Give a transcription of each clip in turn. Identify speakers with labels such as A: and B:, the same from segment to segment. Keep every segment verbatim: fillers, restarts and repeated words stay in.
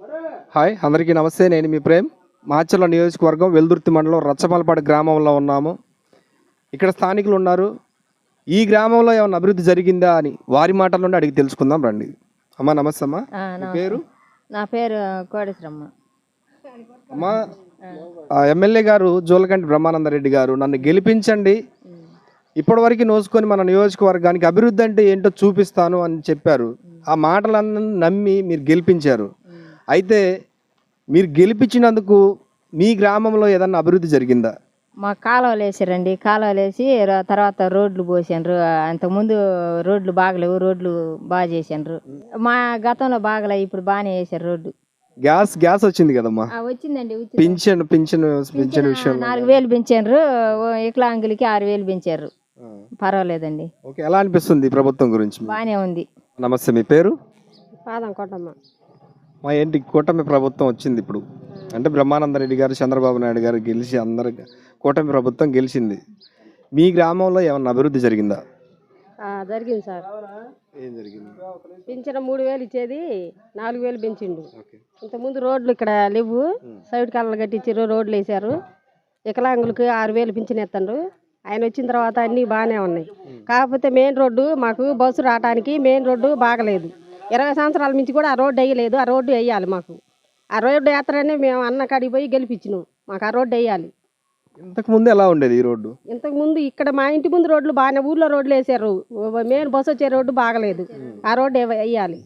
A: Hi అందరికీ నమస్తే. నేను మీ ప్రేమ్. మాచర్ల నియోజకవర్గం వెల్దుర్తి మండలం రచ్చమలపాడు గ్రామంలో ఉన్నాము. ఇక్కడ స్థానికులు ఉన్నారు. ఈ గ్రామంలో ఏమైనా అభివృద్ధి జరిగిందా అని వారి మాటల్లోనే అడిగి తెలుసుకుందాం రండి. అమ్మా నమస్తే అమ్మా.
B: ఆ,
A: మీ
B: నమస్తే.
A: పేరు?
B: నా పేరు కోడేశ్వరమ్మ.
A: అమ్మా ఆ, ఎమ్మెల్యే గారు జోలకంటి బ్రహ్మానందరెడ్డి గారు నన్ను గెలిపించండి, ఇప్పటివరకు నోసుకొని మన నియోజకవర్గానికి అభివృద్ధి అంటే ఏంటో చూపిస్తాను అని చెప్పారు. ఆ మాటలన్నీ నమ్మి మీరు గెలిపించారు. అయితే మీరు గెలిపించినందుకు మీ గ్రామంలో ఏదన్నా అభివృద్ధి జరిగిందా?
B: మా కాలువలు వేసారండి. కాలువలు వేసి ర- తర్వాత రోడ్లు పోసారు. అంతకుముందు రోడ్లు బాగలేవు, రోడ్లు బాగా చేసారు. మా గతంలో బాగలే, ఇప్పుడు బాగానే వేసారు రోడ్డు.
A: గ్యాస్ గ్యాస్ వచ్చింది కదమ్మా,
B: ఆ, వచ్చిందండి వచ్చింది.
A: పింఛన్ పింఛన్ పింఛన్ విషయం
B: నాలుగు వేలు పెంచారు. వికలాంగులకి ఆరు వేలు పెంచారు. పర్వాలేదండి,
A: ఓకే. ఎలా అనిపిస్తుంది ఈ ప్రభుత్వం గురించి?
B: బాగానే ఉంది.
A: నమస్తే, మీ పేరు?
B: పాదం కొట్టమ్మ.
A: మా ఏంటి కూటమి ప్రభుత్వం వచ్చింది ఇప్పుడు, అంటే బ్రహ్మానందరెడ్డి గారు చంద్రబాబు నాయుడు గారు గెలిచి అందరు కూటమి ప్రభుత్వం గెలిచింది. మీ గ్రామంలో ఏమన్నా అభివృద్ధి జరిగిందా?
C: జరిగింది సార్.
A: ఏం జరిగింది?
C: పింఛన మూడు వేలు ఇచ్చేది నాలుగు వేలు పెంచిండు.
A: ఓకే.
C: ఇంతకుముందు రోడ్లు ఇక్కడ లేవు, సైడ్ కాలంలో కట్టించారు, రోడ్లు వేసారు. వికలాంగులకు ఆరు వేలు పింఛన్ ఎత్తండ్రు. ఆయన వచ్చిన తర్వాత అన్నీ బాగానే ఉన్నాయి. కాకపోతే మెయిన్ రోడ్డు మాకు బస్సు రావడానికి మెయిన్ రోడ్డు బాగలేదు. ఇరవై సంవత్సరాల నుంచి కూడా ఆ రోడ్డు వేయలేదు. ఆ రోడ్డు వేయాలి మాకు. ఆ రోడ్డు వేస్తారనే మేము అన్న కాడికి పోయి గెలిపించినాం. మాకు ఆ రోడ్డు వేయాలి.
A: ఇంతకు ముందు ఎలా ఉండేది ఈ రోడ్డు?
C: ఇంతకు ముందు ఇక్కడ మా ఇంటి ముందు రోడ్లు బాగానే, ఊర్లో రోడ్లు వేసారు. మెయిన్ బస్సు వచ్చే రోడ్డు బాగలేదు. ఆ రోడ్డు వేయ- వేయాలి.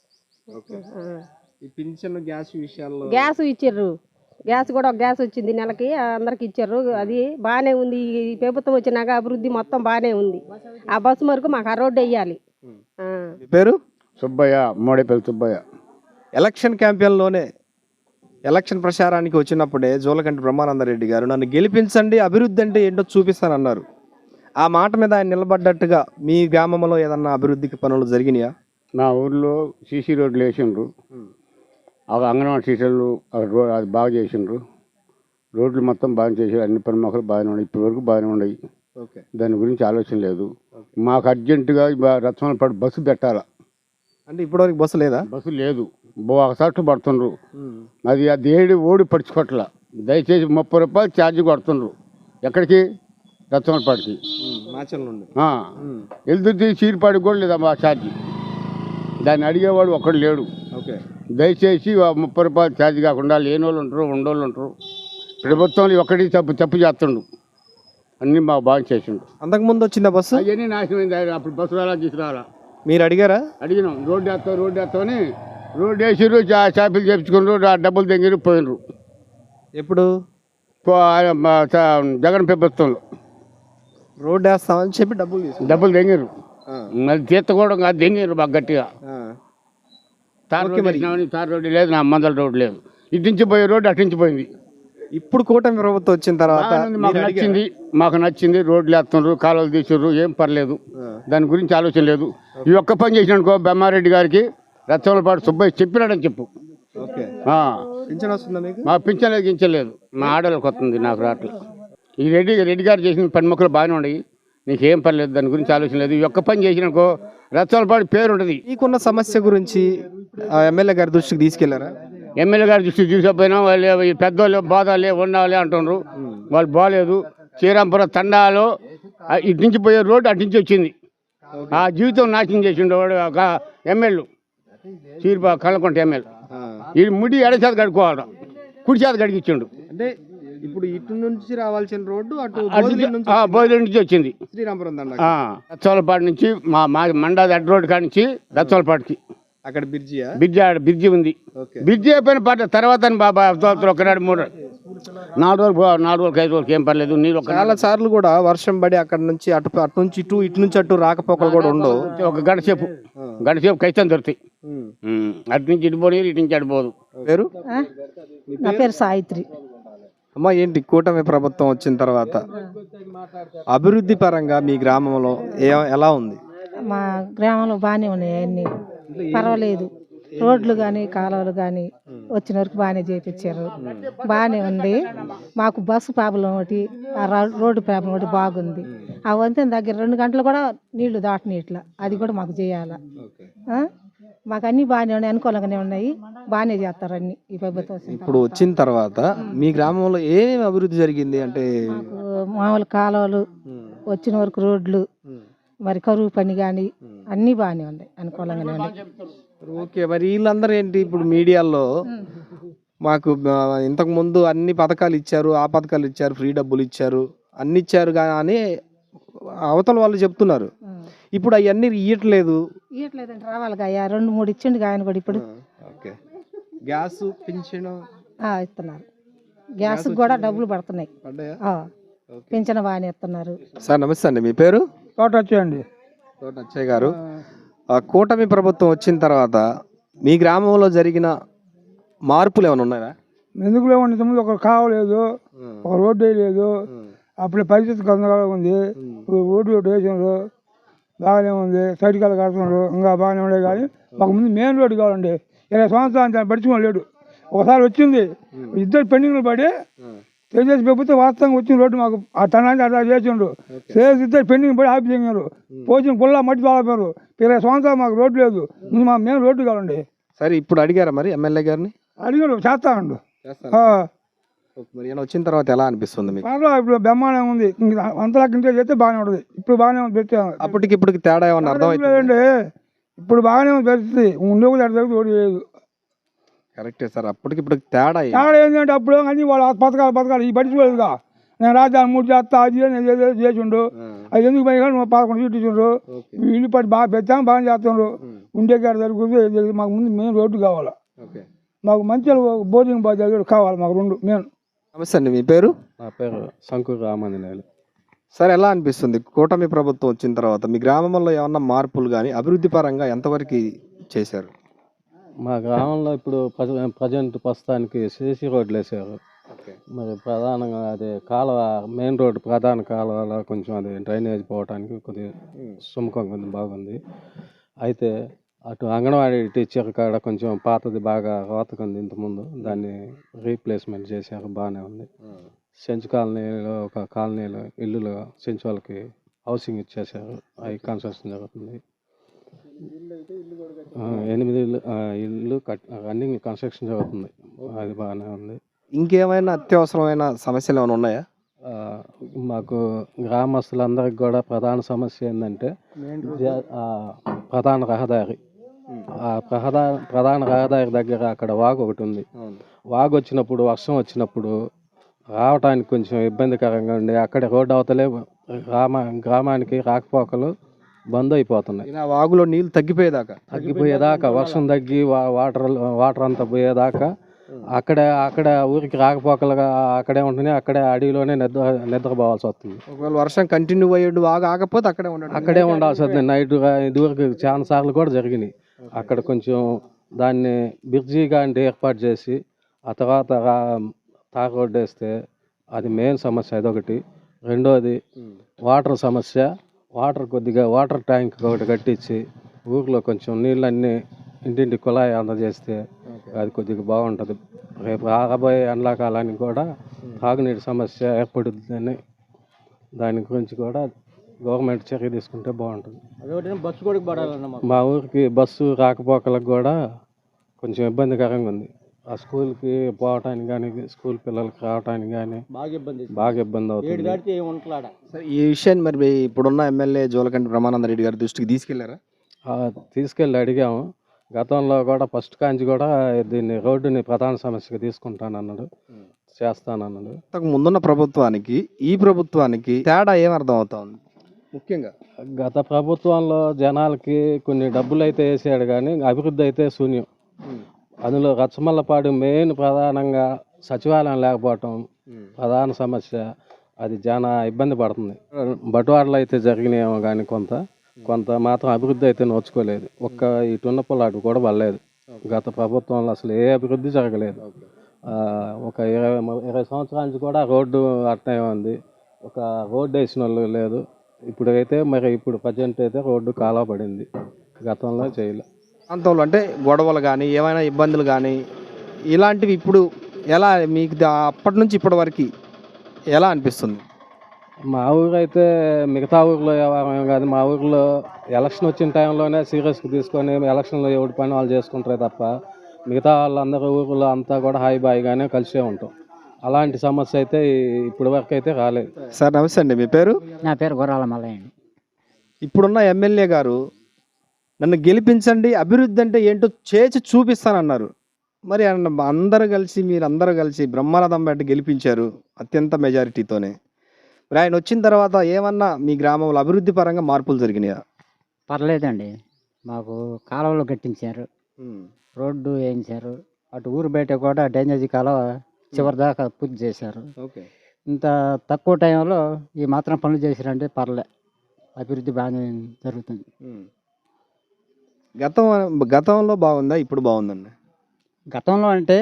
A: ఈ పింఛన్ గ్యాస్ విషయాల్లో
C: గ్యాస్ ఇచ్చారు. గ్యాస్ కూడా ఒక గ్యాస్ వచ్చింది నెలకి, అందరికి ఇచ్చారు. అది బాగానే ఉంది. ఈ ప్రభుత్వం వచ్చినాక అభివృద్ధి మొత్తం బాగానే ఉంది. ఆ బస్సు వరకు మాకు ఆ రోడ్డు వేయాలి. ఆ.
A: మీ పేరు?
D: సుబ్బయ్య, మోడేపల్లి సుబ్బయ్య.
A: ఎలక్షన్ క్యాంపెయిన్లోనే ఎలక్షన్ ప్రచారానికి వచ్చినప్పుడే జోలకంటి బ్రహ్మానందరెడ్డి గారు నన్ను గెలిపించండి, అభివృద్ధి అంటే ఏంటో చూపిస్తానన్నారు. ఆ మాట మీద ఆయన నిలబడ్డట్టుగా మీ గ్రామంలో ఏదన్నా అభివృద్ధికి పనులు జరిగినాయా?
D: మా ఊర్లో సీసీ రోడ్లు వేసిండ్రు. అవి అంగన్వాడీ సీసీలు రో అది బాగా చేసిండ్రు. రోడ్లు మొత్తం బాగా చేసారు. అన్ని పని మొక్కలు బాగానే ఉన్నాయి. ఇప్పటి వరకు బాగానే ఉన్నాయి.
A: ఓకే.
D: దాని గురించి ఆలోచన లేదు. మాకు అర్జెంటుగా రత్నాలపాడు బస్సు పెట్టాలా.
A: అంటే ఇప్పటివరకు బస్సు లేదా?
D: బస్సు లేదు. బో ఒక సట్టు పడుతుండ్రు. అది ఆ దేడి ఓడి పడుచుకోవట్ల. దయచేసి ముప్పై రూపాయలు ఛార్జ్ కొడుతుండ్రు. ఎక్కడికి? రత్నాలపాడికి.
A: మాచల్ నుండి
D: వెళ్తుంది. చీరిపాడికి కూడా లేదా మా ఛార్జీ. దాన్ని అడిగేవాడు ఒక్కడు లేడు.
A: ఓకే.
D: దయచేసి ఆ ముప్పై రూపాయలు ఛార్జ్ కాకుండా లేని వాళ్ళు ఉంటారు, ఉండోళ్ళు ఉంటారు. ప్రభుత్వంలో ఒక్కటి తప్పు తప్పు చేస్తుండు. అన్నీ మాకు బాగా చేసిండు.
A: అంతకుముందు వచ్చిందా బస్సు?
D: అవన్నీ నాశనమైంది. ఆయన అప్పుడు బస్సు రాలా తీసుకురాలా.
A: మీరు అడిగారా?
D: అడిగినాం. రోడ్డు వేస్తాం రోడ్డు వేస్తామని రోడ్డు వేసిర్రు. షాపులు చేపించుకున్నారు. ఆ డబ్బులు తెంగిరు పోయినరు.
A: ఎప్పుడు?
D: పో- ఆయన మా చ- జగన్ ప్రభుత్వంలో
A: రోడ్డు వేస్తామని చెప్పి డబ్బులు తీసుకు
D: డబ్బులు తెంగిరు. అది తీర్త కూడా కాదు, తెంగిరు బాగా గట్టిగా. తార్ రోడ్డు వేసినామని తార్ రోడ్డు లేదు, నా మందల రోడ్డు లేదు. ఇటు నుంచి పోయే రోడ్డు అటు నుంచి పోయింది.
A: ఇప్పుడు కూటమి ప్రభుత్వం వచ్చిన తర్వాత
D: బాగానే మాకు నచ్చింది. మాకు నచ్చింది. రోడ్లు వేస్తున్నారు, కాలువలు తీసిర్రు, ఏం పర్లేదు. దాని గురించి ఆలోచన లేదు. ఈ ఒక్క పని చేసినానుకో బ్రహ్మారెడ్డి గారికి రచ్చవలపాడు సుబ్బయ్య చెప్పినాడని చెప్పు.
A: ఓకే.
D: ఆ,
A: పింఛన్ వస్తుందా మీకు?
D: మా పింఛన్లేదు గించలేదు. మా ఆడలకు వస్తుంది, నాకు రావట్లేదు. ఈ రెడ్డి రెడ్డి గారు చేసిన పని మొక్కలు బాగానే ఉన్నాయి. నీకేం పర్లేదు. దాని గురించి ఆలోచన లేదు. ఈ ఒక్క పని చేసినాకో రచ్చవలపాడు పేరు ఉంటుంది.
A: మీకున్న సమస్య గురించి ఆ ఎమ్మెల్యే గారి దృష్టికి తీసుకెళ్లారా?
D: ఎమ్మెల్యే గారి దృష్టికి తీసుకుపోయినా వాళ్ళు ఈ పెద్దోళ్ళు బాధాలే ఉండాలి అంటున్నారు. వాళ్ళు బాగాలేదు. శ్రీరాంపురం తండాలో ఆ ఇటు నుంచి పోయే రోడ్డు అటు నుంచి వచ్చింది. ఆ జీవితం నాశనం చేసిండు వాడు ఒక ఎమ్మెల్యే. చీరిపా కళ్ళకొంట ఎమ్మెల్యే. ఈ ముడి ఎడచేత కడుక్కోవాలి, కుడి చేత కడిగిచ్చిండు.
A: అంటే ఇప్పుడు ఇటు నుంచి రావాల్సిన రోడ్డు అటు
D: అటు నుంచి ఆ బోధి నుంచి వచ్చింది.
A: శ్రీరాంపురం దండ
D: రచ్చవలపాడు నుంచి మా మా మండాది అడ్డ రోడ్డు కాడి నుంచి రచ్చవలపాడుకి
A: అక్కడ బిర్జియా
D: బ్రిడ్జి ఆడ బ్రిడ్జి ఉంది. బ్రిడ్జి అయిపోయిన పాట తర్వాత బాబా ఒకనాడు మూడు నాలుగు రోజులు నాలుగు రోజులకి ఐదు రోజులకి ఏం పర్లేదు. నీళ్ళు ఒక
A: చాలా సార్లు కూడా వర్షం పడి అక్కడ నుంచి అటు అటు నుంచి ఇటు ఇటు నుంచి అటు రాకపోకలు కూడా ఉండవు.
D: ఒక గంట సేపు గంట సేపు కైతం దొరుకుతాయి. అటు నుంచి ఇటు పోనీ, ఇటు నుంచి అటు పోదు.
A: పేరు?
C: నా పేరు సాయిత్రి.
A: అమ్మ ఏంటి కూటమి ప్రభుత్వం వచ్చిన తర్వాత అభివృద్ధి పరంగా మీ గ్రామంలో ఏ ఎలా ఉంది?
E: మా గ్రామంలో బాగానే ఉన్నాయి. అన్నీ పర్వాలేదు. రోడ్లు కానీ కాలువలు కానీ వచ్చిన వరకు బాగానే చేయించారు. బాగానే ఉంది. మాకు బస్సు ప్రాబ్లం ఒకటి, ఆ రా- రోడ్డు ప్రాబ్లం ఒకటి బాగుంది. ఆ వంతెన దగ్గర రెండు గంటలు కూడా నీళ్లు దాటని ఇట్లా, అది కూడా మాకు చేయాలా. ఆ? మాకు అన్నీ బాగానే ఉన్నాయి, అనుకూలంగానే ఉన్నాయి, బాగానే చేస్తారు అన్ని ఈ ప్రభుత్వం వచ్చిన
A: ఇప్పుడు వచ్చిన తర్వాత మీ గ్రామంలో ఏమేమి అభివృద్ధి జరిగింది అంటే?
E: మాకు మామూలు కాలువలు, వచ్చిన వరకు రోడ్లు, మరి కరువు పని కానీ అన్నీ బాగానే ఉన్నాయి, అనుకూలంగానే ఉన్నాయి.
A: ఓకే, మరి వీళ్ళందరూ ఏంటి ఇప్పుడు మీడియాలో మాకు ఆ, ఇంతకు ముందు అన్ని పథకాలు ఇచ్చారు, ఆ పథకాలు ఇచ్చారు, ఫ్రీ డబ్బులు ఇచ్చారు, అన్ని ఇచ్చారు కానీ అవతల వాళ్ళు చెప్తున్నారు. ఇప్పుడు అవన్నీ ఇయ్యట్లేదు.
E: ఇవ్వట్లేదంటే రావాలి అయ్యా, రెండు మూడు ఇచ్చిండు ఆయన కూడా ఇప్పుడు
A: ఓకే, గ్యాస్ పింఛన్
E: ఆ, ఇస్తున్నారు. గ్యాస్ కూడా డబ్బులు పడుతున్నాయి,
A: పడ్డాయా?
E: ఆ, పింఛన్ బాగానే ఇస్తున్నారు.
A: సార్ నమస్తే అండి, మీ పేరు?
F: తోట వచ్చేయండి.
A: తోట అచ్చయ్య గారు, ఆ కూటమి ప్రభుత్వం వచ్చిన తర్వాత మీ గ్రామంలో జరిగిన మార్పులు ఏమైనా ఉన్నాయా?
F: ఎందుకు లేవండి, ఇంతకుముందు ఒక కావలేదు, ఒక రోడ్డు వేయలేదు, అప్పుడే పరిస్థితి గందరగోళంగా ఉంది. ఇప్పుడు రోడ్డు రోడ్డు వేసినారు, బాగానే ఉంది, సైడ్ కాలు కడుతున్నారు, ఇంకా బాగానే ఉండే. కానీ మాకు ముందు మెయిన్ రోడ్డు కావాలండి. ఇరవై సంవత్సరాలు పడుచుకోని లేడు. ఒకసారి వచ్చింది, ఇద్దరు పెండింగ్లు పడి తెలుగుదేశం ప్రభుత్వం వాస్తవంగా వచ్చిన రోడ్డు మాకు ఆ తనాన్ని అట్లా చేసిండ్రు. చేసి ఇద్దరు పెండింగ్ పడి ఆపి చేసినారు, పోసిన పుల్ల మట్టి తోలపోయారు. ఇరవై సంవత్సరాలు మాకు రోడ్డు లేదు, ముందు మా మెయిన్ రోడ్డు కావాలండి.
A: సరే, ఇప్పుడు అడిగారా మరి ఎమ్మెల్యే గారిని?
F: అడిగారు, చేస్తామండు.
A: మరి ఈయన వచ్చిన తర్వాత ఎలా అనిపిస్తుంది మీకు?
F: పర్వాలేదు, ఇప్పుడు బ్రహ్మాండంగా ఉంది. అంతలా కింద చేస్తే బాగానే ఉంటుంది. ఇప్పుడు బాగానే ఉంది పెట్టాము.
A: అప్పటికి ఇప్పటికి తేడా ఏమన్నా అర్థమైందండి?
F: ఇప్పుడు బాగానే ఉంది పరిస్థితి, ఉండే కూడా అర్థం ఓడి లేదు.
A: కరెక్టే సార్, అప్పటికి ఇప్పటికి తేడా ఏంటి?
F: తేడా ఏంటంటే అప్పుడు అన్ని వాళ్ళు పథకాలు పథకాలు ఈ పట్టించుకోలేదుగా. నేను రాజధాని మూడు చేస్తా, అది నేను ఏదో చేసిండు, అది ఎందుకు పని కానీ పదకొండు సీట్లు ఇచ్చిండ్రు. ఇల్లు పట్టి బాగా పెట్టాము, బాగా చేస్తుండ్రు. ఉండే కాడ జరుగుతుంది. మాకు ముందు మెయిన్ రోడ్డు కావాలి, మాకు మంచిగా బోర్డింగ్ బాగా కావాలి, మాకు రెండు మెయిన్.
A: నమస్తే అండి, మీ పేరు?
G: నా పేరు శంకర్ రామాంజనేయులు.
A: సార్, ఎలా అనిపిస్తుంది కూటమి ప్రభుత్వం వచ్చిన తర్వాత మీ గ్రామంలో ఏమన్నా మార్పులు కానీ అభివృద్ధి పరంగా ఎంతవరకు చేశారు?
G: మా గ్రామంలో ఇప్పుడు ప్రజెంట్ ప్రస్తుతానికి సీసీ రోడ్లు వేసారు. మరి ప్రధానంగా అదే కాలువ, మెయిన్ రోడ్డు ప్రధాన కాలువలో కొంచెం అది డ్రైనేజ్ పోవడానికి కొద్దిగా సుముఖంగా ఉంది, బాగుంది. అయితే అటు అంగన్వాడీ టీచర్ కాడ కొంచెం పాతది బాగా రోతకుంది ఇంతకుముందు, దాన్ని రీప్లేస్మెంట్ చేశారు, బాగానే ఉంది. సెంచు కాలనీలో ఒక కాలనీలో ఇల్లులు సెంచు వాళ్ళకి హౌసింగ్ ఇచ్చేసారు, అవి కన్స్ట్రక్షన్ జరుగుతుంది. ఎనిమిది ఇల్లు ఇల్లు కట్ రన్నింగ్ కన్స్ట్రక్షన్ జరుగుతుంది, అది బాగానే ఉంది.
A: ఇంకేమైనా అత్యవసరమైన సమస్యలు ఏమైనా ఉన్నాయా?
G: మాకు గ్రామస్తులందరికి కూడా ప్రధాన సమస్య ఏంటంటే ప్రధాన రహదారి. ఆ ప్రధాన ప్రధాన రహదారి దగ్గర అక్కడ వాగు ఒకటి ఉంది. వాగు వచ్చినప్పుడు, వర్షం వచ్చినప్పుడు రావటానికి కొంచెం ఇబ్బందికరంగా ఉండి అక్కడ రోడ్డు అవతలే గ్రామ గ్రామానికి రాకపోకలు బంద్ అయిపోతున్నాయి.
A: వాగులో నీళ్ళు తగ్గిపోయేదాకా
G: తగ్గిపోయేదాకా వర్షం తగ్గి వాటర్ వాటర్ అంతా పోయేదాకా అక్కడ అక్కడ ఊరికి రాకపోకలుగా అక్కడే ఉంటుంది, అక్కడే అడవిలోనే నిద్ర నిద్రపోవాల్సి వస్తుంది.
A: ఒకవేళ వర్షం కంటిన్యూ అయ్యేడు వాగు ఆగకపోతే అక్కడే ఉండాలి
G: అక్కడే ఉండాల్సి వస్తుంది. నైట్ ఇదివరకు చాలా సార్లు కూడా జరిగినాయి. అక్కడ కొంచెం దాన్ని బ్రిడ్జిగా అంటే ఏర్పాటు చేసి ఆ తర్వాత తార్ రోడ్డు వేస్తే అది మెయిన్ సమస్య అదొకటి. రెండోది వాటర్ సమస్య. వాటర్ కొద్దిగా వాటర్ ట్యాంక్ ఒకటి కట్టించి ఊరిలో కొంచెం నీళ్ళన్నీ ఇంటింటి కుళాయి అందజేస్తే అది కొద్దిగా బాగుంటుంది. రేపు రాబోయే ఎండాకాలానికి కూడా తాగునీటి సమస్య ఏర్పడుతుందని దాని గురించి కూడా గవర్నమెంట్ చర్య తీసుకుంటే బాగుంటుంది.
D: బస్సు కూడా పడాలన్న
G: మా ఊరికి బస్సు రాకపోకలకు కూడా కొంచెం ఇబ్బందికరంగా ఉంది. ఆ స్కూల్కి పోవటానికి కానీ స్కూల్ పిల్లలకి రావటానికి కానీ
D: బాగా ఇబ్బంది
G: బాగా ఇబ్బంది అవుతుంది.
A: సరే, ఈ విషయాన్ని మరి ఇప్పుడున్న ఎమ్మెల్యే జోలకంటి బ్రహ్మానంద రెడ్డి గారి దృష్టికి తీసుకెళ్లారా?
G: తీసుకెళ్ళి అడిగాము. గతంలో కూడా ఫస్ట్ కాంచి కూడా దీన్ని రోడ్డుని ప్రధాన సమస్యగా తీసుకుంటానన్నాడు, చేస్తానన్నాడు.
A: ఇంతకు ముందున్న ప్రభుత్వానికి ఈ ప్రభుత్వానికి తేడా ఏం అర్థం అవుతుంది? ముఖ్యంగా
G: గత ప్రభుత్వంలో జనాలకి కొన్ని డబ్బులు అయితే వేసాడు కానీ అభివృద్ధి అయితే శూన్యం. అందులో రచ్చమల్లపాడు మెయిన్ ప్రధానంగా సచివాలయం లేకపోవటం ప్రధాన సమస్య. అది చాలా ఇబ్బంది పడుతుంది. బటువాడలు అయితే జరిగినాయేమో కానీ కొంత కొంత మాత్రం అభివృద్ధి అయితే నోచుకోలేదు. ఒక్క ఇటున్న పొలాటు కూడా పడలేదు. గత ప్రభుత్వంలో అసలు ఏ అభివృద్ధి జరగలేదు. ఒక ఇరవై ఇరవై సంవత్సరాల నుంచి కూడా రోడ్డు అట్నే ఉంది. ఒక రోడ్డు వేసిన వాళ్ళు లేదు. ఇప్పుడు అయితే మరి ఇప్పుడు ప్రజెంట్ అయితే రోడ్డు కాలువ పడింది, గతంలో చేయలే.
A: ప్రాంతంలో అంటే గొడవలు కానీ ఏమైనా ఇబ్బందులు కానీ ఇలాంటివి ఇప్పుడు ఎలా మీకు అప్పటి నుంచి ఇప్పటి వరకు ఎలా అనిపిస్తుంది?
G: మా ఊరు అయితే మిగతా ఊర్లో వ్యవహారం కాదు. మా ఊర్లో ఎలక్షన్ వచ్చిన టైంలోనే సీరియస్గా తీసుకొని ఎలక్షన్లో ఎవరి పని వాళ్ళు చేసుకుంటారే తప్ప మిగతా వాళ్ళందరూ ఊర్లో అంతా కూడా హాయి బాయిగానే కలిసే ఉంటాం. అలాంటి సమస్య అయితే ఇప్పటి వరకు అయితే రాలేదు.
A: సార్ నమస్తే అండి, మీ పేరు?
H: నా పేరు గుర్రాల మల్లయ్య అండి.
A: ఇప్పుడున్న ఎమ్మెల్యే గారు నన్ను గెలిపించండి, అభివృద్ధి అంటే ఏంటో చేసి చూపిస్తానన్నారు. మరి అన్న- అందరూ కలిసి మీరు అందరూ కలిసి బ్రహ్మానందం రెడ్డి గెలిపించారు అత్యంత మెజారిటీతోనే. మరి ఆయన వచ్చిన తర్వాత ఏమన్నా మీ గ్రామంలో అభివృద్ధి పరంగా మార్పులు జరిగినాయా?
H: పర్లేదండి, మాకు కాలువలు కట్టించారు, రోడ్డు వేయించారు, అటు ఊరు బయట కూడా డ్రైనేజీ కాలువ చివరి దాకా పూర్తి చేశారు.
A: ఓకే.
H: ఇంత తక్కువ టైంలో ఈ మాత్రం పనులు చేశారంటే పర్లే, అభివృద్ధి బాగానే జరుగుతుంది.
A: గతం గతంలో బాగుందా, ఇప్పుడు బాగుందండి?
H: గతంలో అంటే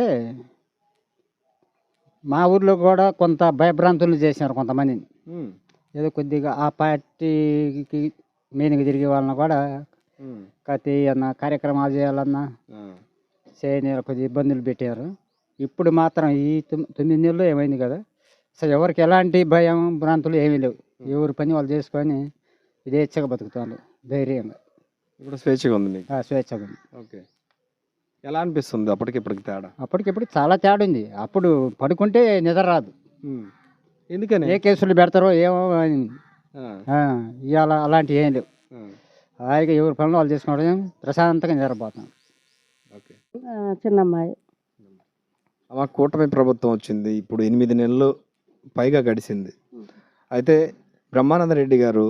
H: మా ఊర్లో కూడా కొంత భయభ్రాంతులు చేశారు కొంతమందిని. ఏదో కొద్దిగా ఆ పార్టీకి మెయిన్గా తిరిగే వాళ్ళని కూడా కత్తి అన్న కార్యక్రమాలు చేయాలన్నా చేయని కొద్దిగా ఇబ్బందులు పెట్టారు. ఇప్పుడు మాత్రం ఈ తొమ్- తొమ్మిది నెలలు ఏమైంది కదా, అసలు ఎవరికి ఎలాంటి భయం భ్రాంతులు ఏమీ లేవు. ఎవరి పని వాళ్ళు చేసుకొని ఇదేచ్ఛగా బతుకుతారు ధైర్యంగా.
A: ఇప్పుడు స్వేచ్ఛగా ఉంది మీకు?
H: ఆ, స్వేచ్ఛగా ఉంది.
A: ఓకే. ఎలా అనిపిస్తుంది అప్పటికి ఇప్పటికి తేడా?
H: అప్పటికిప్పుడు చాలా తేడా ఉంది. అప్పుడు పడుకుంటే నిద్ర రాదు,
A: ఎందుకని?
H: ఏ కేసులు పెడతారో ఏమో అని.
A: ఆ,
H: ఆ, ఇవాళ అలాంటివి ఏం లేవు.
A: ఆ,
H: హాయిగా ఎవరి పనులు వాళ్ళు చేసుకోవడం, ప్రశాంతంగా నిద్రపోతాం.
A: ఓకే.
C: చిన్నమ్మాయి.
A: అమ్మ, కూటమి ప్రభుత్వం వచ్చింది, ఇప్పుడు ఎనిమిది నెలలు పైగా గడిచింది. అయితే బ్రహ్మానంద రెడ్డి గారు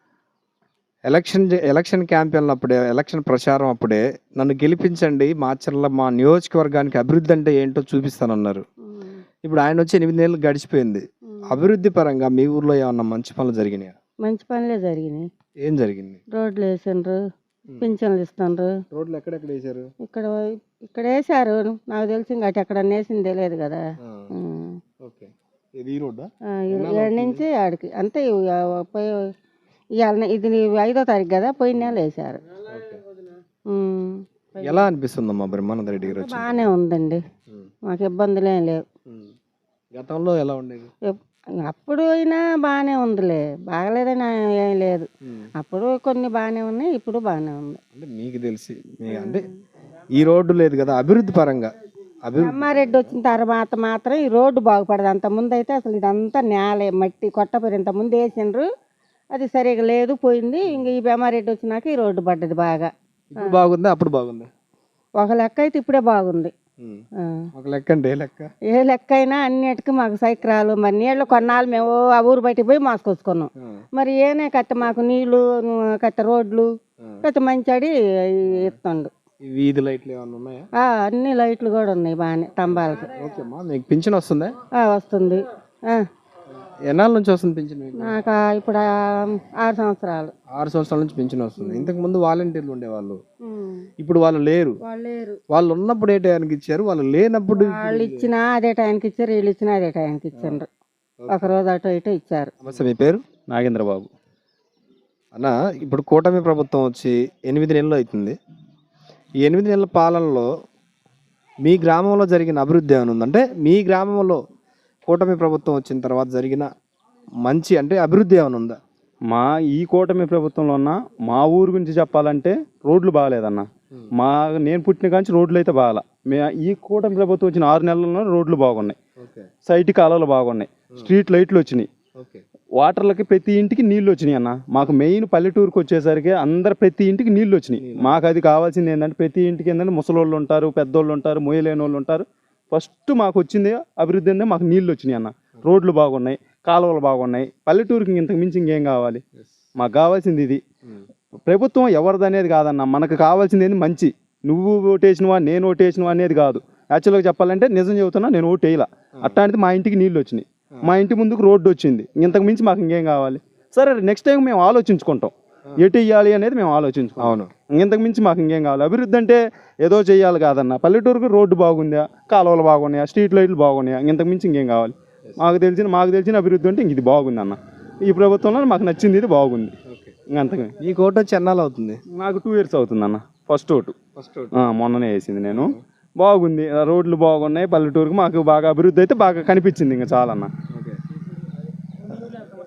A: ఎలక్షన్ జే- ఎలక్షన్ క్యాంపెయిన్ అప్పుడే, ఎలక్షన్ ప్రచారం అప్పుడే నన్ను గెలిపించండి, మాచర్ల మా నియోజకవర్గానికి అభివృద్ధి అంటే ఏంటో చూపిస్తానన్నారు. ఇప్పుడు ఆయన వచ్చి ఎనిమిది నెలలు గడిచిపోయింది. అభివృద్ధి పరంగా మీ ఊర్లో ఏమన్నా మంచి పనులు జరిగినాయా?
C: మంచి పనులే జరిగినాయి.
A: ఏం జరిగింది?
C: రోడ్లు వేసిండ్రు, పింఛన్లు ఇస్తుండ్రు.
A: రోడ్లు ఎక్కడెక్కడ వేశారు?
C: ఇక్కడ ఇక్కడ వేసారు, నాకు తెలిసి ఇంకా అటు ఎక్కడ వేసింది తెలియదు కదా. ఉమ్.
A: ఓకే. ఇది ఈ రోడ్డా?
C: ఆ, ఏడు నుంచి ఆడికి అంతే. ఇవ- పోయి ఇవాళ ఇది ఐదో తారీఖు కదా, పోయిన నెల వేసారు. ఉమ్.
A: ఎలా అనిపిస్తుందమ్మా బ్రహ్మానంద రెడ్డి గారు వచ్చి?
C: బాగానే ఉందండి, మాకు ఇబ్బందులు ఏం లేవు.
A: గతంలో ఎలా ఉండేది?
C: ఎప్- అప్పుడు అయినా బాగానే ఉందిలే, బాగలేదని ఏం లేదు. అప్పుడు కొన్ని బాగానే ఉన్నాయి, ఇప్పుడు బాగానే ఉంది.
A: అంటే మీకు తెలిసి మీ అంటే ఈ రోడ్డు లేదు కదా, అభివృద్ధి పరంగా అభివృద్ధి
C: బ్రహ్మారెడ్డి వచ్చిన తర్వాత మాత్రం ఈ రోడ్డు బాగుపడదు. అంత ముందు అయితే అసలు ఇదంతా నేల మట్టి కొట్టపోయి ఇంత ముందు వేసిండ్రు, అది సరిగా లేదు, పోయింది. ఇంక ఈ బ్రహ్మారెడ్డి వచ్చినాక ఈ రోడ్డు పడ్డది బాగా.
A: ఇప్పుడు బాగుందా, అప్పుడు బాగుందా?
C: ఒక లెక్క అయితే ఇప్పుడే బాగుంది. ఆ.
A: ఒక లెక్క అంటే ఏ లెక్క?
C: ఏ లెక్క అయినా అన్నిటికీ మాకు సైక్రాలు, మరి నీళ్ళు కొన్నాళ్ళు మేము ఆ ఊరు బయటికి పోయి మోసుకొచ్చుకున్నాం. మరి ఏనే కట్ట మాకు నీళ్లు కట్ట రోడ్లు కట్ట మంచాడి ఇస్తుండు.
A: ఈ వీధి లైట్లు ఏమన్నా ఉన్నాయా?
C: ఆ, అన్ని లైట్లు కూడా ఉన్నాయి బాగానే స్తంభాలకి.
A: ఓకే అమ్మా, మీకు పింఛన్ వస్తుందా?
C: ఆ, వస్తుంది. ఆ,
A: ఎన్నాళ్ళ నుంచి వస్తుంది పింఛన్ మీకు?
C: నాకు ఆ ఇప్పుడు ఆ ఆరు సంవత్సరాలు.
A: ఆరు సంవత్సరాల నుంచి పింఛన్ వస్తుంది. ఇంతకు ముందు వాలంటీర్లు ఉండేవాళ్ళు, ఇప్పుడు వాళ్ళు లేరు.
C: వాళ్ళు లేరు.
A: వాళ్ళు ఉన్నప్పుడు ఏ టైంకి ఇచ్చారు, వాళ్ళు లేనప్పుడు
C: వాళ్ళు ఇచ్చినా అదే టైంకి ఇచ్చారు, వీళ్ళు ఇచ్చినా అదే టైంకి ఇచ్చిండ్రు. ఒక రోజు అటు ఇటు ఇచ్చారు.
A: నమస్తే, మీ పేరు?
I: నాగేంద్ర బాబు.
A: అన్న, ఇప్పుడు కూటమి ప్రభుత్వం వచ్చి ఎనిమిది నెలలు అవుతుంది. ఈ ఎనిమిది నెలల పాలనలో మీ గ్రామంలో జరిగిన అభివృద్ధి ఏమైనా ఉందంటే, మీ గ్రామంలో కూటమి ప్రభుత్వం వచ్చిన తర్వాత జరిగిన మంచి అంటే అభివృద్ధి ఏమైనా ఉందా?
I: మా ఈ కూటమి ప్రభుత్వంలో ఉన్న మా ఊరు గురించి చెప్పాలంటే రోడ్లు బాగాలేదన్న. మా నేను పుట్టిన కాంచి రోడ్లు అయితే బాగాల. మే ఈ కూటమి ప్రభుత్వం వచ్చిన ఆరు నెలల్లో రోడ్లు బాగున్నాయి, సైట్ కాలువలు బాగున్నాయి, స్ట్రీట్ లైట్లు వచ్చినాయి, వాటర్లకి ప్రతి ఇంటికి నీళ్ళు వచ్చినాయి అన్న. మాకు మెయిన్ పల్లెటూరుకి వచ్చేసరికి అందరు ప్రతి ఇంటికి నీళ్ళు వచ్చినాయి. మాకు అది కావాల్సింది ఏంటంటే ప్రతి ఇంటికి ఏంటంటే ముసలోళ్ళు ఉంటారు, పెద్దోళ్ళు ఉంటారు, మొయ్యలేని వాళ్ళు ఉంటారు. ఫస్ట్ మాకు వచ్చింది అభివృద్ధి అంటే మాకు నీళ్ళు వచ్చినాయి అన్న. రోడ్లు బాగున్నాయి, కాలువలు బాగున్నాయి. పల్లెటూరుకి ఇంతకు మించి ఇంకేం కావాలి? మాకు కావాల్సింది ఇది. ప్రభుత్వం ఎవరిది అనేది కాదన్న, మనకు కావాల్సింది ఏంది మంచి. నువ్వు ఓటేసినవా నేను ఓటేసినవా అనేది కాదు. యాక్చువల్గా చెప్పాలంటే నిజం చెబుతున్నా, నేను ఓటు వేయలా. అట్లాంటిది మా ఇంటికి నీళ్ళు వచ్చినాయి, మా ఇంటి ముందుకు రోడ్డు వచ్చింది. ఇంతకు మించి మాకు ఇంకేం కావాలి? సరే, నెక్స్ట్ టైం మేము ఆలోచించుకుంటాం ఎటు ఇవ్వాలి అనేది మేము ఆలోచించుకుంటాం.
A: అవును,
I: ఇంతకు మించి మాకు ఇంకేం కావాలి? అభివృద్ధి అంటే ఏదో చేయాలి కాదన్న. పల్లెటూరుకు రోడ్డు బాగుందా, కాలువలు బాగున్నాయా, స్ట్రీట్ లైట్లు బాగున్నాయా, ఇంతకు మించి ఇంకేం కావాలి? మాకు తెలిసిన మాకు తెలిసిన అభివృద్ధి అంటే ఇంక ఇది బాగుంది అన్న. ఈ ప్రభుత్వంలో మాకు నచ్చింది ఇది బాగుంది. ఇంకంతకు
A: ఈ కోట వచ్చి ఎన్నాళ్ళు అవుతుంది?
I: నాకు టూ ఇయర్స్ అవుతుంది అన్న. ఫస్ట్ ఓటు మొన్ననే వేసింది నేను. బాగుంది, రోడ్లు బాగున్నాయి. పల్లెటూరుకు మాకు బాగా అభివృద్ధి అయితే బాగా కనిపించింది. ఇంకా చాలా అన్న.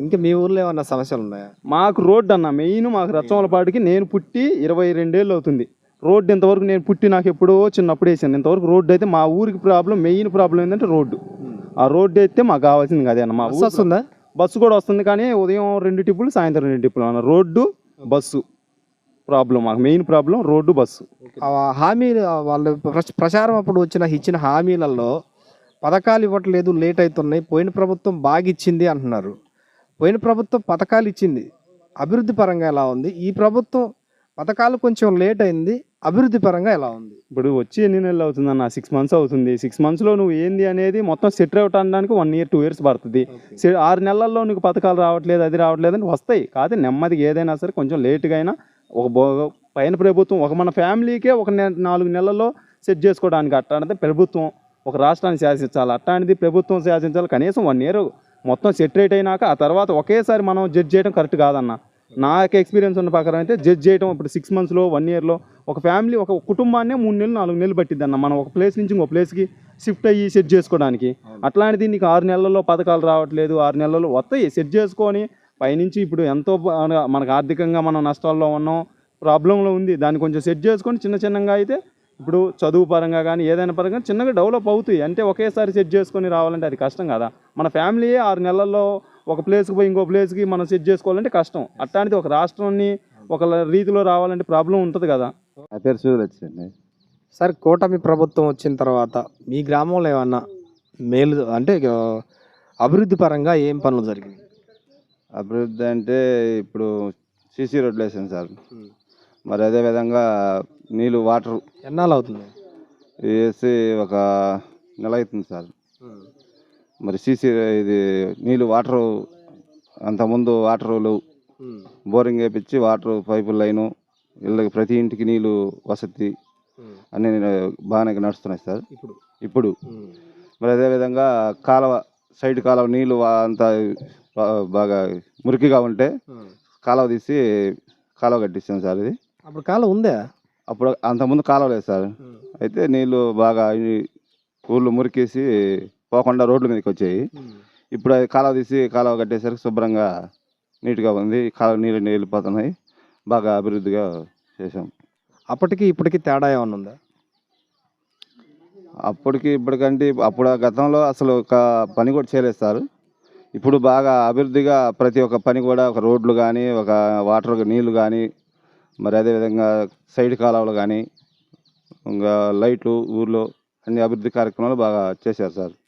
A: ఇంకా మీ ఊర్లో ఏమన్నా సమస్యలు ఉన్నాయా?
I: మాకు రోడ్డు అన్న మెయిన్ మాకు రచ్చమలపాటికి నేను పుట్టి ఇరవై రెండేళ్ళు అవుతుంది. రోడ్డు ఇంతవరకు నేను పుట్టి నాకు ఎప్పుడో చిన్నప్పుడు వేసాను. ఇంతవరకు రోడ్డు అయితే మా ఊరికి ప్రాబ్లం, మెయిన్ ప్రాబ్లం ఏంటంటే రోడ్డు. ఆ రోడ్డు అయితే మాకు కావాల్సింది అదే అన్న. మా
A: బస్సు వస్తుందా?
I: బస్సు కూడా వస్తుంది, కానీ ఉదయం రెండు టిప్పులు, సాయంత్రం రెండు టిప్పులు అన్న. రోడ్డు బస్సు ప్రాబ్లం మాకు, మెయిన్ ప్రాబ్లం రోడ్డు బస్సు.
A: ఆ హామీలు వాళ్ళు ప్ర- ప్రచారం అప్పుడు వచ్చిన ఇచ్చిన హామీలలో పథకాలు ఇవ్వట్లేదు, లేట్ అవుతున్నాయి, పోయిన ప్రభుత్వం బాగా ఇచ్చింది అంటున్నారు. పోయిన ప్రభుత్వం పథకాలు ఇచ్చింది, అభివృద్ధి పరంగా ఎలా ఉంది? ఈ ప్రభుత్వం పథకాలు కొంచెం లేట్ అయింది, అభివృద్ధి పరంగా ఎలా ఉంది?
I: ఇప్పుడు వచ్చి ఎన్ని నెలలు అవుతుంది అన్న? సిక్స్ మంత్స్ అవుతుంది. సిక్స్ మంత్స్లో నువ్వు ఏంది అనేది మొత్తం సెటిల్ అవుట్ అనడానికి వన్ ఇయర్ టూ ఇయర్స్ పడుతుంది. సె- ఆరు నెలల్లో నీకు పథకాలు రావట్లేదు, అది రావట్లేదు అని వస్తాయి. కాదు నెమ్మదిగా ఏదైనా సరే కొంచెం లేట్గా అయినా ఒక బో పైన ప్రభుత్వం ఒక మన ఫ్యామిలీకే ఒక నె నాలుగు నెలల్లో సెట్ చేసుకోవడానికి అట్టాడితే ప్రభుత్వం ఒక రాష్ట్రాన్ని శాసించాలి, అట్టాంటిది ప్రభుత్వం శాసించాలి. కనీసం వన్ ఇయర్ మొత్తం సెటరేట్ అయినాక ఆ తర్వాత ఒకేసారి మనం జడ్జ్ చేయడం కరెక్ట్ కాదన్న. నాకు ఎక్స్పీరియన్స్ ఉన్న ప్రకారం అయితే జడ్జ్ చేయడం ఇప్పుడు సిక్స్ మంత్స్లో వన్ ఇయర్లో ఒక ఫ్యామిలీ ఒక కుటుంబాన్నే మూడు నెలలు నాలుగు నెలలు పట్టిద్ది అన్న మనం ఒక ప్లేస్ నుంచి ఇంకో ప్లేస్కి షిఫ్ట్ అయ్యి సెట్ చేసుకోవడానికి. అట్లాంటిది నీకు ఆరు నెలల్లో పథకాలు రావట్లేదు, ఆరు నెలల్లో వస్తాయి సెట్ చేసుకొని పైనుంచి ఇప్పుడు ఎంతో బా- మనకు ఆర్థికంగా మనం నష్టాల్లో ఉన్నాం, ప్రాబ్లంలో ఉంది, దాన్ని కొంచెం సెట్ చేసుకొని చిన్న చిన్నగా అయితే ఇప్పుడు చదువు పరంగా కానీ ఏదైనా పరంగా చిన్నగా డెవలప్ అవుతాయి. అంటే ఒకేసారి సెట్ చేసుకొని రావాలంటే అది కష్టం కదా. మన ఫ్యామిలీయే ఆరు నెలల్లో ఒక ప్లేస్కి పోయి ఇంకో ప్లేస్కి మనం సెట్ చేసుకోవాలంటే కష్టం. అట్లాంటిది ఒక రాష్ట్రాన్ని ఒక రీతిలో రావాలంటే ప్రాబ్లం ఉంటుంది కదా.
J: నా పేరు సూర్యలక్ష్మి.
A: సార్, కూటమి ప్రభుత్వం వచ్చిన తర్వాత మీ గ్రామంలో ఏమన్నా మేలు అంటే ఆ, అభివృద్ధి పరంగా ఏం పనులు జరిగినాయి?
J: అభివృద్ధి అంటే ఇప్పుడు సీసీ రోడ్లు వేసాను సార్. మరి అదేవిధంగా నీళ్ళు వాటర్
A: ఎన్నాళ్ళు అవుతుంది?
J: వేసి ఒక నెల అవుతుంది సార్. మరి సీసీ ఇది నీళ్ళు వాటరు అంతకుముందు వాటర్లు బోరింగ్ వేయించి వాటర్ పైపు లైను ఇళ్ళకి ప్రతి ఇంటికి నీళ్ళు వసతి అన్నీ బాగానే నడుస్తున్నాయి సార్
A: ఇప్పుడు
J: ఇప్పుడు. మరి అదేవిధంగా కాలువ సైడ్ కాలువ నీళ్ళు వా- అంతా బా- బాగా మురికిగా ఉంటే కాలువ తీసి కాలువ కట్టిస్తాం సార్. ఇది
A: అప్పుడు కాలం ఉందా?
J: అప్పుడు అంతకుముందు కాలువ లేదు సార్. అయితే నీళ్ళు బాగా ఈ ఊళ్ళు మురికేసి పోకుండా రోడ్ల మీదకి వచ్చాయి. ఇప్పుడు అది కాలువ తీసి కాలువ కట్టేసరికి శుభ్రంగా నీట్గా ఉంది, కాలువ నీళ్ళు వెళ్ళిపోతున్నాయి, బాగా అభివృద్ధిగా చేసాం.
A: అప్పటికి ఇప్పటికి తేడా ఏమన్నా ఉందా?
J: అప్పటికి ఇప్పటికంటే అప్పుడు ఆ గతంలో అసలు ఒక పని కూడా చేయలేదు సార్. ఇప్పుడు బాగా అభివృద్ధిగా ప్రతి ఒక్క పని కూడా ఒక రోడ్లు కానీ ఒక వాటర్ నీళ్లు కానీ మరి అదేవిధంగా సైడ్ కాలువలు కానీ ఇంకా లైట్లు ఊర్లో అన్ని అభివృద్ధి కార్యక్రమాలు బాగా చేశారు సార్.